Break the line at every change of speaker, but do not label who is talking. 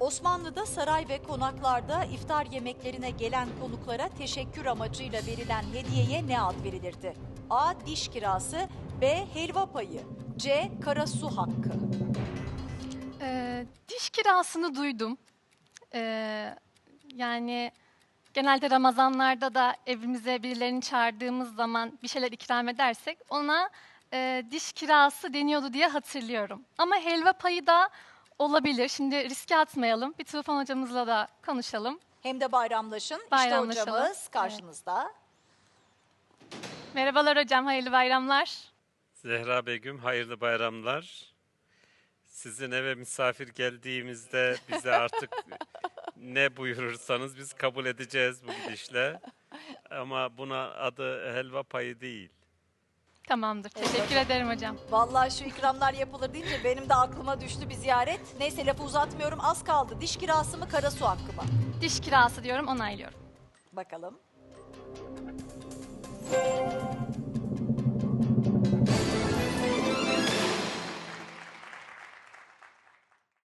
Osmanlı'da saray ve konaklarda iftar yemeklerine gelen konuklara teşekkür amacıyla verilen hediyeye ne ad verilirdi? A. Diş kirası, B. Helva payı, C. Karasu hakkı.
Diş kirasını duydum. Yani genelde Ramazanlarda da evimize birilerini çağırdığımız zaman bir şeyler ikram edersek ona diş kirası deniyordu diye hatırlıyorum. Ama helva payı da olabilir. Şimdi riske atmayalım. Bir Tufan hocamızla da konuşalım.
Hem de bayramlaşın. İşte
Bayramlaşalım.
hocamız karşınızda.
Merhabalar hocam, hayırlı bayramlar.
Zehra Begüm, hayırlı bayramlar. Sizin eve misafir geldiğimizde bize artık ne buyurursanız biz kabul edeceğiz bu gidişle. Ama buna adı helva payı değil.
Tamamdır, teşekkür ederim hocam.
Vallahi şu ikramlar yapılır deyince benim de aklıma düştü bir ziyaret. Neyse lafı uzatmıyorum, az kaldı. Diş kirası mı, Karasu hakkı mı?
Diş kirası diyorum, onaylıyorum.
Bakalım.